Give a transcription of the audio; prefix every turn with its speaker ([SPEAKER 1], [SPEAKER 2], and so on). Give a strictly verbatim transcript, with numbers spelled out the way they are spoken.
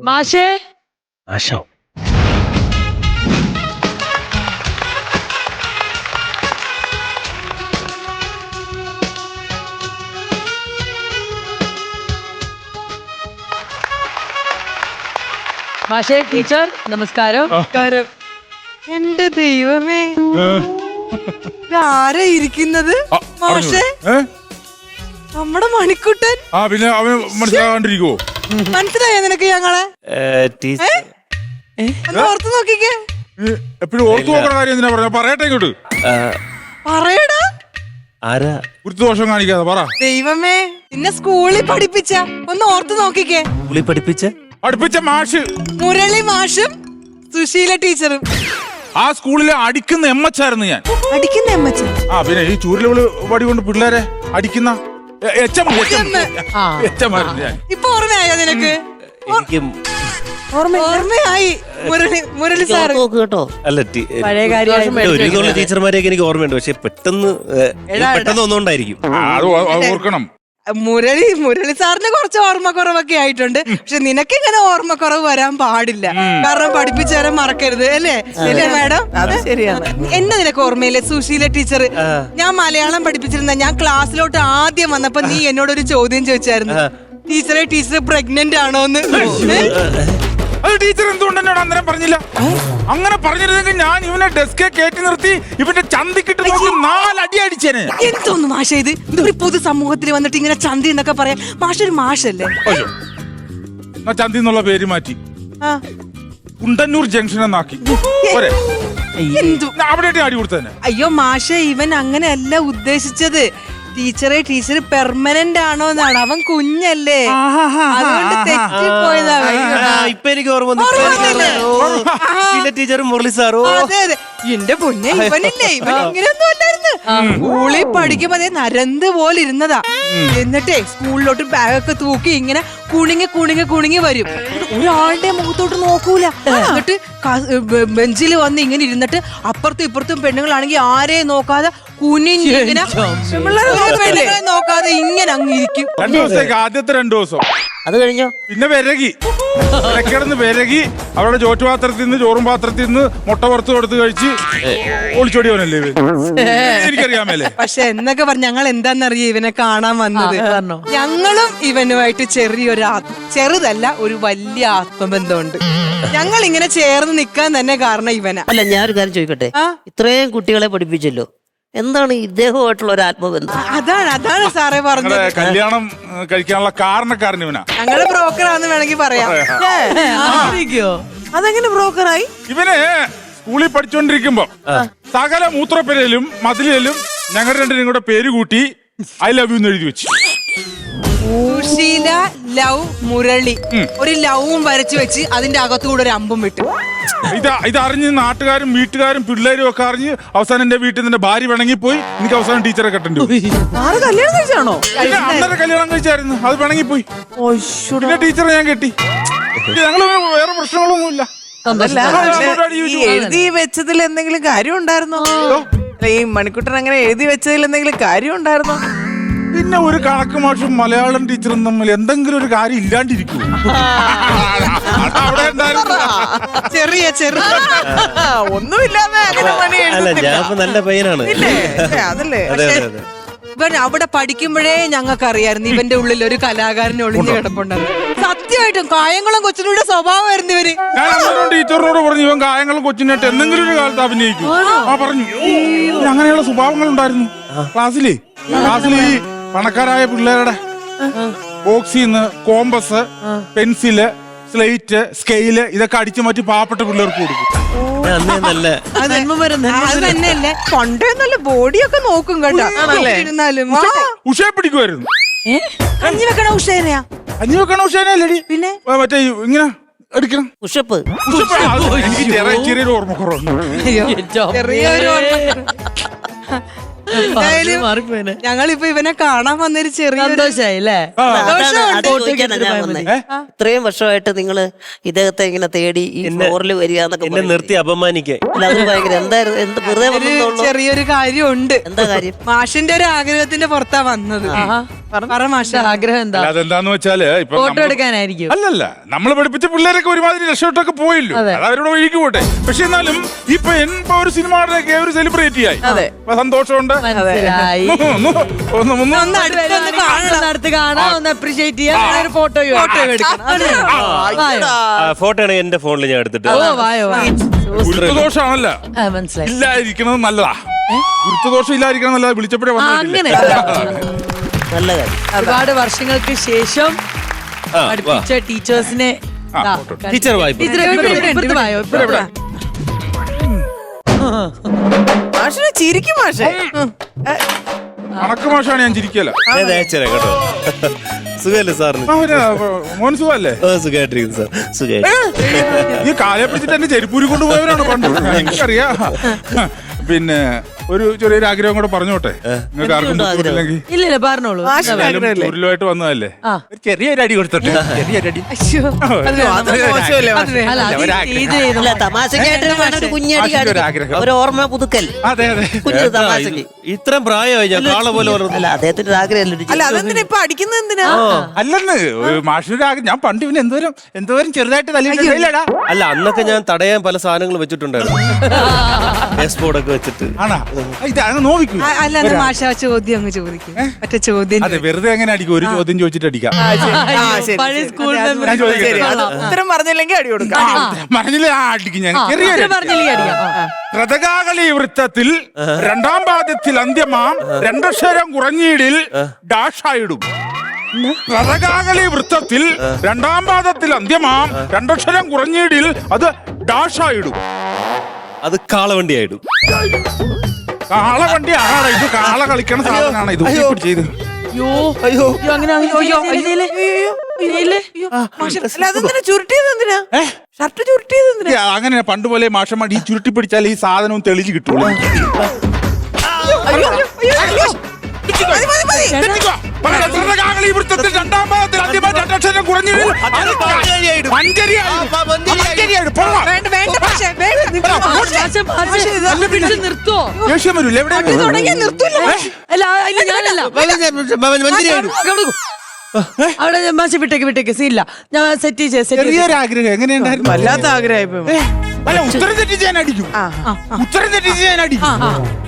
[SPEAKER 1] മാഷേ
[SPEAKER 2] ആശോ
[SPEAKER 1] മാഷേ ടീച്ചർ നമസ്കാരം.
[SPEAKER 3] നമസ്കാരം. എന്റെ ദൈവമേ, ആരാ ഇരിക്കുന്നത്? മാഷേ, നമ്മുടെ മണിക്കുട്ടൻ.
[SPEAKER 4] ആ പിന്നെ അവൻ മനസ്സിലാകാണ്ടിരിക്കുവോ?
[SPEAKER 3] മനസ്സിലായോ നിനക്ക് ഞങ്ങളെ? ഓർത്ത് നോക്കിക്കേ.
[SPEAKER 4] എപ്പോഴും ഓർത്തു നോക്കുന്ന കാര്യം എന്തിനാ പറഞ്ഞ? പറയട്ടെ ഇങ്ങോട്ട്.
[SPEAKER 3] പറയടാ.
[SPEAKER 2] ആരാ?
[SPEAKER 4] ഗുരുത്വദോഷം കാണിക്കാതെ പറ.
[SPEAKER 3] ദൈവമേ, നിന്നെ സ്കൂളിൽ പഠിപ്പിച്ച ഒന്ന് ഓർത്ത് നോക്കിക്കേ.
[SPEAKER 2] സ്കൂളിൽ പഠിപ്പിച്ച
[SPEAKER 4] പഠിപ്പിച്ച മാഷ്
[SPEAKER 3] മുരളി മാഷും സുശീല ടീച്ചറും.
[SPEAKER 4] ആ സ്കൂളിലെ അടിക്കുന്ന എമ്മച്ചായിരുന്നു ഞാൻ.
[SPEAKER 3] അടിക്കുന്ന എമ്മച്ച?
[SPEAKER 4] ആ പിന്നെ ഈ ചൂരലുകള് വടി കൊണ്ട് പിള്ളേരെ അടിക്കുന്ന എച്ചമായിരുന്നു ഞാൻ.
[SPEAKER 3] ഇപ്പൊ ഓർമ്മയായോ നിനക്ക്?
[SPEAKER 2] എനിക്കും
[SPEAKER 3] ഓർമ്മയായി. മുരളി മുരളി സാറ്
[SPEAKER 2] കേട്ടോ. അല്ല
[SPEAKER 1] പഴയ കാര്യം
[SPEAKER 2] ഒരുവിധമുള്ള ടീച്ചർമാരെയൊക്കെ എനിക്ക് ഓർമ്മയുണ്ട്. പക്ഷെ പെട്ടെന്ന് പെട്ടെന്ന് ഒന്നുകൊണ്ടായിരിക്കും.
[SPEAKER 4] അത് ഓർക്കണം.
[SPEAKER 3] മുരളി മുരളി സാറിന് കുറച്ച് ഓർമ്മക്കുറവൊക്കെ ആയിട്ടുണ്ട്. പക്ഷെ നിനക്ക് ഇങ്ങനെ ഓർമ്മക്കുറവ് വരാൻ പാടില്ല. കാരണം പഠിപ്പിച്ചു തരാൻ മറക്കരുത്, അല്ലേ? അല്ലേ മാഡം? അത് ശരിയാണ്. എന്നെ നിനക്ക് ഓർമ്മയില്ലേ സുശീല ടീച്ചർ? ഞാൻ മലയാളം പഠിപ്പിച്ചിരുന്ന, ഞാൻ ക്ലാസ്സിലോട്ട് ആദ്യം വന്നപ്പോ നീ എന്നോടൊരു ചോദ്യം ചോദിച്ചായിരുന്നു, ടീച്ചറെ ടീച്ചർ പ്രഗ്നന്റ് ആണോന്ന്.
[SPEAKER 4] അത് ടീച്ചർ എന്തുകൊണ്ട് എന്നോട് അന്നേരം പറഞ്ഞില്ല? അങ്ങനെ പറഞ്ഞിരുന്നെങ്കിൽ ഞാൻ ഇവനെ ഡെസ്കെ കയറ്റി നിർത്തി ഇവന്റെ ചന്തിക്കിട്ട് നോക്കി നാലടി അടിച്ചേനെ.
[SPEAKER 3] എന്തോന്നു മാഷ ഇത്? ഒരു പൊതു സമൂഹത്തിൽ വന്നിട്ട് ഇങ്ങനെ ചന്തി എന്നൊക്കെ പറയാം. മാഷ ഒരു മാഷല്ലേ?
[SPEAKER 4] ചന്തി എന്നുള്ള പേര് മാറ്റി കുണ്ടന്നൂർ ജംഗ്ഷൻ എന്നാക്കി. അവിടെ അടി കൊടുത്തന്നെ.
[SPEAKER 3] അയ്യോ മാഷ, ഇവൻ അങ്ങനെയല്ല ഉദ്ദേശിച്ചത്. ടീച്ചറെ ടീച്ചർ പെർമനന്റ് ആണോ എന്നാണ്. അവൻ കുഞ്ഞല്ലേ, അതുകൊണ്ട് തെറ്റിപ്പോയതാ.
[SPEAKER 2] ഇപ്പൊ എനിക്ക് ഓർമ്മ ടീച്ചറും മുരളി സാറോ.
[SPEAKER 3] അതെ അതെ, എന്റെ പൊന്നെ, ഇവനില്ലേ, ഇവൻ ഇങ്ങനെയൊന്നും അല്ലായിരുന്നു. സ്കൂളിൽ പഠിക്കുമ്പോ അതേ നരന്ത് പോലെ ഇരുന്നതാ. എന്നിട്ടേ സ്കൂളിലോട്ട് ബാഗൊക്കെ തൂക്കി ഇങ്ങനെ കുണിങ്ങി കുണിങ്ങി കുണിങ്ങി വരും. ഒരാളുടെ മുഖത്തോട്ട് നോക്കൂല. എന്നിട്ട് ബെഞ്ചിൽ വന്ന് ഇങ്ങനെ ഇരുന്നിട്ട് അപ്പുറത്തും ഇപ്പുറത്തും പെണ്ണുങ്ങളാണെങ്കിൽ ആരെയും നോക്കാതെ കുനിഞ്ഞിങ്ങനെ പെണ്ണുങ്ങളെ നോക്കാതെ ഇങ്ങനെ അങ്ങിരിക്കും.
[SPEAKER 4] രണ്ടു ദിവസത്തേക്ക് ആദ്യത്തെ രണ്ടു ദിവസം
[SPEAKER 2] അത് കഴിഞ്ഞോ പിന്നെ
[SPEAKER 4] വിരകി ഇടക്കിടന്ന് വിരകി അവരുടെ ചോറ്റുപാത്രത്തിൽ നിന്ന് ചോറും പാത്രത്തിൽ നിന്ന് മുട്ട പുറത്ത് കൊടുത്ത് കഴിച്ച് ഒളിച്ചോടിയവനല്ലേ എനിക്കറിയാമല്ലേ.
[SPEAKER 3] പക്ഷെ എന്നൊക്കെ പറഞ്ഞ ഞങ്ങൾ എന്താന്നറിയ ഇവനെ കാണാൻ വന്നത്. ഞങ്ങളും ഇവനുമായിട്ട് ചെറിയൊരു ചെറുതല്ല ഒരു വലിയ ആത്മബന്ധമുണ്ട്. ഞങ്ങൾ ഇങ്ങനെ ചേർന്ന് നിക്കാൻ തന്നെ കാരണം ഇവനാ.
[SPEAKER 5] അല്ല, ഞാനൊരു കാര്യം ചോദിക്കട്ടെ, ഇത്രയും കുട്ടികളെ പഠിപ്പിച്ചല്ലോ, എന്താണ് ഇദ്ദേഹമായിട്ടുള്ള ഒരു ആത്മബന്ധം?
[SPEAKER 3] അതാണ് അതാണ് സാറേ പറഞ്ഞത്.
[SPEAKER 4] കല്യാണം കഴിക്കാനുള്ള കാരണക്കാരൻ ഇവനാ.
[SPEAKER 3] ഞങ്ങള് ബ്രോക്കറാന്ന് വേണമെങ്കിൽ പറയാം. അതെങ്ങനെ ബ്രോക്കറായി?
[SPEAKER 4] ഇവന് സ്കൂളിൽ പഠിച്ചോണ്ടിരിക്കുമ്പോ സകല മൂത്രപ്പെരയിലും മതിലും ഞങ്ങൾ രണ്ടിനും കൂടെ പേര് കൂട്ടി ഐ ലവ് യു എന്ന് എഴുതി വെച്ചു.
[SPEAKER 3] സുശീല ലവ് മുരളി, ഒരു ലവും വരച്ചു വെച്ച് അതിന്റെ അകത്തുകൂടെ ഒരു അമ്പും വിട്ടു.
[SPEAKER 4] ഇത് ഇതറിഞ്ഞ് നാട്ടുകാരും വീട്ടുകാരും പിള്ളേരും ഒക്കെ അറിഞ്ഞ് അവസാനം എന്റെ വീട്ടിൽ നിന്റെ ഭാര്യ പിണങ്ങി പോയി. എനിക്ക് അവസാനം ടീച്ചറെ കെട്ടേണ്ടി
[SPEAKER 3] കല്യാണം കഴിച്ചാണോ?
[SPEAKER 4] അന്നേരം കല്യാണം കഴിച്ചായിരുന്നു, അത് പിണങ്ങി പോയി. പിന്നെ ടീച്ചറെ ഞാൻ കെട്ടി. ഞങ്ങള് വേറെ പ്രശ്നങ്ങളൊന്നും ഇല്ല.
[SPEAKER 6] എഴുതി വെച്ചതിൽ എന്തെങ്കിലും കാര്യം ഉണ്ടായിരുന്നോ? ഈ മണിക്കുട്ടൻ അങ്ങനെ എഴുതി വെച്ചതിൽ എന്തെങ്കിലും കാര്യം ഉണ്ടായിരുന്നോ?
[SPEAKER 4] പിന്നെ ഒരു കണക്ക് മാഷും മലയാളം ടീച്ചറും തമ്മിൽ എന്തെങ്കിലും ഒരു കാര്യം ഇല്ലാണ്ടിരിക്കൂ. അവിടെ
[SPEAKER 3] ചെറിയ ചെറിയ
[SPEAKER 6] ഒന്നുമില്ലാതെ
[SPEAKER 2] നല്ല പയ്യനാണ്.
[SPEAKER 6] അതല്ലേ
[SPEAKER 3] ഇവൻ അവിടെ പഠിക്കുമ്പോഴേ ഞങ്ങൾക്ക് അറിയായിരുന്നു ഇവന്റെ ഉള്ളിൽ ഒരു കലാകാരൻ ഒളിഞ്ഞു കിടപ്പുണ്ടെന്ന്. സത്യമായിട്ടും കായങ്ങളും കൊച്ചിനോട് സ്വഭാവമായിരുന്നു ഇവര്.
[SPEAKER 4] ഞാൻ ടീച്ചറിനോട് പറഞ്ഞു ഇവൻ കായങ്ങളും കൊച്ചിനായിട്ട് എന്തെങ്കിലും ഒരു കാലത്ത് അഭിനയിക്കും. ആ പറഞ്ഞു അങ്ങനെയുള്ള സ്വഭാവങ്ങൾ ഉണ്ടായിരുന്നു ക്ലാസ്സിലേ. ക്ലാസ്സിൽ ഈ പണക്കാരായ പിള്ളേരുടെ ബോക്സിന്ന് കോമ്പസ്, പെൻസില്, സ്ലേറ്റ്, സ്കെയില് ഇതൊക്കെ അടിച്ചു മാറ്റി പാവപ്പെട്ട പിള്ളേർക്ക് കൊടുക്കും.
[SPEAKER 3] അത് തന്നെയല്ലേ, കൊണ്ടേന്നല്ല ബോഡിയൊക്കെ നോക്കും കേട്ടോ.
[SPEAKER 4] ഉഷയെ പിടിക്കുമായിരുന്നു.
[SPEAKER 3] കഞ്ഞി വെക്കണ ഉഷേനെയാ?
[SPEAKER 4] കഞ്ഞി വെക്കണ ഉഷേനല്ലടി, പിന്നെ മറ്റേ ഇങ്ങനെ എടുക്കണം.
[SPEAKER 5] ഉഷപ്പ്
[SPEAKER 4] എനിക്ക് ചെറിയൊരു ഓർമ്മ കുറവുണ്ട്.
[SPEAKER 3] ചെറിയൊരു എന്തായാലും
[SPEAKER 1] മാറിപ്പോയിനെ
[SPEAKER 3] ഞങ്ങളിപ്പോ ഇവനെ കാണാൻ വന്നൊരു ചെറിയ
[SPEAKER 1] സന്തോഷായി അല്ലേ
[SPEAKER 5] അതാണ് അത് ചോദിക്കാനാ ഞാൻ വന്നേ. ഇത്രയും വർഷമായിട്ട് നിങ്ങള് ഇദ്ദേഹത്തെ ഇങ്ങനെ തേടി ഈ ഫ്ലോറിൽ വരിക എന്നൊക്കെ
[SPEAKER 2] എന്നെ
[SPEAKER 5] പറയുന്നത്.
[SPEAKER 2] നിർത്തി അപമാനിക്കാൻ
[SPEAKER 5] അല്ല അത് ഭയങ്കര എന്തായിരുന്നു എന്ത് വെറുതെ
[SPEAKER 3] ഒരു
[SPEAKER 5] വന്നോളൂ.
[SPEAKER 3] ചെറിയൊരു കാര്യമുണ്ട്.
[SPEAKER 5] എന്താ കാര്യം?
[SPEAKER 3] മാഷിന്റെ ഒരു ആഗ്രഹത്തിന്റെ പുറത്താ വന്നത്. പറ മാഷ.
[SPEAKER 1] ആഗ്രഹം എന്താ?
[SPEAKER 4] അല്ല, അതെന്താന്ന് വെച്ചാല് ഇപ്പൊ
[SPEAKER 1] ഫോട്ടോ
[SPEAKER 4] നമ്മള്
[SPEAKER 1] എടുക്കാനായിരിക്കും.
[SPEAKER 4] അല്ലല്ല നമ്മള് പഠിപ്പിച്ച പിള്ളേരൊക്കെ ഒരുമാതിരി രക്ഷപ്പെട്ടൊക്കെ പോയില്ലോ, അത് അവരുടെ വഴിക്ക് പോട്ടെ. പക്ഷെ എന്നാലും ഇപ്പൊ ഇപ്പൊ ഒരു സിനിമയുടെ ഒരു സെലിബ്രിറ്റി ആയി. അപ്പൊ സന്തോഷമുണ്ട്.
[SPEAKER 1] മനസ്സിലായി.
[SPEAKER 4] ഒന്ന് ഒന്ന് ഒന്ന്
[SPEAKER 3] ഒന്ന് അടുത്തൊന്ന് കാണണം.
[SPEAKER 1] അടുത്ത് കാണാം, ഒന്ന് അപ്രീഷിയേറ്റ് ചെയ്യാം, ഒരു ഫോട്ടോ ഫോട്ടോ എടുക്കണം.
[SPEAKER 2] ഫോട്ടോ ആണെങ്കിൽ എന്റെ ഫോണിൽ ഞാൻ എടുത്തിട്ട്
[SPEAKER 1] ഓ വായോ വാ.
[SPEAKER 4] ഗുരുത്വദോഷമാണല്ല
[SPEAKER 1] ആ, മനസ്സിലായി.
[SPEAKER 4] ഇല്ലാതിരിക്കുന്നത് നല്ലതാ. ഗുരുത്വദോഷം ഇല്ലാതിരിക്കണം നല്ലതാ. വിളിച്ചപ്പോഴേ
[SPEAKER 1] ആ, അങ്ങനെ
[SPEAKER 4] വന്നിട്ടില്ല.
[SPEAKER 5] നല്ല കാര്യം.
[SPEAKER 1] ഒരുപാട് വർഷങ്ങൾക്ക് ശേഷം
[SPEAKER 2] ആ, വാ.
[SPEAKER 1] പഠിപ്പിച്ച ടീച്ചേഴ്സിനെ
[SPEAKER 4] ആ,
[SPEAKER 1] ദാ,
[SPEAKER 4] ഫോട്ടോ.
[SPEAKER 2] ടീച്ചർ വായ്പ
[SPEAKER 1] ടീച്ചറെ ഇപ്പുറത്ത് ഇപ്പുറത്ത് വായോ, ഇപ്പുറത്ത് വാ.
[SPEAKER 6] മാഷിനെ ചിരിക്കും മാഷെ.
[SPEAKER 4] കണക്ക് മാഷാണ്, ഞാൻ ചിരിക്കല.
[SPEAKER 2] ഞാൻ അയച്ചുതരാം കേട്ടോ. സുഖല്ലേ സാറിന്?
[SPEAKER 4] മോൻ സുഖല്ലേ?
[SPEAKER 2] ഓ സുഖമായിട്ടിരിക്കുന്നു സാർ, സുഖമായിട്ട്.
[SPEAKER 4] ഈ കാലെ പിടിച്ചിട്ട് എന്നെ ചെരുപ്പൂരി കൊണ്ടുപോയവരാണ് പണ്ട്, എനിക്കറിയാം. പിന്നെ ഒരു ചെറിയൊരു ആഗ്രഹം കൂടെ പറഞ്ഞോട്ടെ, നിങ്ങൾക്ക് ആർക്കും ബുദ്ധിമുട്ടില്ലെങ്കിൽ.
[SPEAKER 1] ഇല്ല ഇല്ല പറഞ്ഞോളൂ.
[SPEAKER 4] ഊരിലുമായിട്ട് വന്നതല്ലേ,
[SPEAKER 1] ആ.
[SPEAKER 4] ഒരു ചെറിയൊരു അടി കൊടുത്തോട്ടെ. ചെറിയൊരു അടി.
[SPEAKER 3] അയ്യോ, അത് വേണം.
[SPEAKER 6] അത് മോശമല്ലേ മാഷെ?
[SPEAKER 1] അല്ല അത് ഇത് ചെയ്തു.
[SPEAKER 5] അല്ല തമാശക്കായിട്ട് വേണം ഒരു കുഞ്ഞടി
[SPEAKER 4] ആശയ്ക്ക് ഒരു
[SPEAKER 5] കാണിക്കാൻ.
[SPEAKER 4] ആഗ്രഹം.
[SPEAKER 5] ഒരു ഓർമ്മ പുതുക്കൽ.
[SPEAKER 4] അതെ അതെ.
[SPEAKER 5] കുഞ്ഞു തമാശക്ക്.
[SPEAKER 2] ഇത്രയും പ്രായമായി ഞാൻ കാള പോലെ വളർന്നു.
[SPEAKER 5] അല്ല അദ്ദേഹത്തിന്റെ ഒരു ആഗ്രഹമല്ലേ.
[SPEAKER 6] അല്ല അതെന്തിനാ ഇപ്പൊ അടിക്കുന്നത് എന്തിനാ?
[SPEAKER 4] അല്ലെന്ന് മാഷിനൊരു ആഗ്രഹം. ഞാൻ പണ്ട് ഇവന് എന്തോരം എന്തോരം ചെറുതായിട്ട് തല്ലിയില്ലടാ.
[SPEAKER 2] അല്ല അന്നൊക്കെ ഞാൻ തടയാൻ പല സാധനങ്ങൾ വെച്ചിട്ടുണ്ടായിരുന്നു. ബോർഡൊക്കെ വെച്ചിട്ട്.
[SPEAKER 4] ആണാ ഇത് അങ്ങ് നോവിക്കൂ.
[SPEAKER 3] ആ, അല്ല എന്നാ മാഷ ആ ചോദ്യം അങ്ങ് ചോദിക്കും. മറ്റേ ചോദ്യം
[SPEAKER 4] അതെ, വെറുതെ എങ്ങനെ അടിക്കും? ഒരു ചോദ്യം ചോദിച്ചിട്ട് അടിക്കാം.
[SPEAKER 6] ആ, ശരി,
[SPEAKER 1] പഴയ
[SPEAKER 6] ശരി.
[SPEAKER 1] സ്കൂൾ
[SPEAKER 3] അതെ, അത്
[SPEAKER 1] മെമ്മറി.
[SPEAKER 4] ചോദിക്കട്ടെ.
[SPEAKER 6] ശരി, അത് ഉത്തരം പറഞ്ഞില്ലെങ്കിൽ അടി കൊടുക്കാം.
[SPEAKER 4] പറഞ്ഞില്ലേ? ആ അടിക്കും ഞാൻ.
[SPEAKER 1] ആ,
[SPEAKER 4] ചെറിയൊരു
[SPEAKER 1] ഉത്തരം പറഞ്ഞില്ലെങ്കിൽ അടിക്കാം. ആ.
[SPEAKER 4] രഥകാകളി വൃത്തത്തിൽ രണ്ടാം പാദത്തിൽ അന്ത്യമാം രണ്ടക്ഷരം കുറഞ്ഞീടിൽ ഡാഷായിടും. രഥകാകളി വൃത്തത്തിൽ രണ്ടാം പാദത്തിൽ അന്ത്യമാം രണ്ടക്ഷരം കുറഞ്ഞീടിൽ അത് ഡാഷായിടും.
[SPEAKER 2] അത് കാളവണ്ടിയായിടും.
[SPEAKER 4] കാളവണ്ടി ആണോ ഇത്? കാള കളിക്കണ സാധനമാണ് ഇത്. ചെയ്ത്
[SPEAKER 1] അയ്യോ അയ്യോ അങ്ങനെ അയ്യോ അയ്യോ ചെയ്യില്ലേ? ചെയ്യില്ലേ?
[SPEAKER 6] അല്ല അതെന്തിനാ ചുരുട്ടിയത്? എന്തിനാ ഷർട്ട് ചുരുട്ടിയത്? എന്തിനാ?
[SPEAKER 4] അങ്ങനെ പണ്ട് പോലെ മാഷന്മാർ ഈ ചുരുട്ടി പിടിച്ചാൽ ഈ സാധനവും തെളിഞ്ഞു കിട്ടുള്ളൂ.
[SPEAKER 6] അയ്യോ, അയ്യോ, അയ്യോ. മതി, മതി, മതി.
[SPEAKER 4] രഥകാകളി വൃത്തത്തിൽ രണ്ടാം പാദത്തിൽ അന്ത്യമാം രണ്ടക്ഷരം കുറഞ്ഞീടിൽ മഞ്ചരിയായിടും. പോകാം.
[SPEAKER 3] വേണ്ട വേണ്ട മാഷെ, വേണ്ട. നിങ്ങൾ
[SPEAKER 1] മാഷെ, മാഷെ, ഇത് പിടിച്ച് നിർത്തുവോ?
[SPEAKER 4] ദേഷ്യം വരൂല്ലേ? എവിടെ
[SPEAKER 3] തുടങ്ങിയാൽ നിർത്തൂല.
[SPEAKER 1] അല്ല ഇല്ല ഞാനല്ല.
[SPEAKER 2] മഞ്ചരിയായിടും.
[SPEAKER 1] അവിടെ മാഷെ വിട്ടേക്ക് വിട്ടേക്ക് സീല്ല. ഞാൻ സെറ്റ് ചെയ്ത് സെറ്റ്
[SPEAKER 4] ചെറിയൊരു ആഗ്രഹം എങ്ങനെയുണ്ടായിരുന്നു?
[SPEAKER 6] വല്ലാത്ത ആഗ്രഹം.
[SPEAKER 4] അല്ല ഉത്തരം തെറ്റിച്ച് ഞാൻ അടിക്കും. ഉത്തരം തെറ്റിച്ച് ഞാൻ അടിക്കും.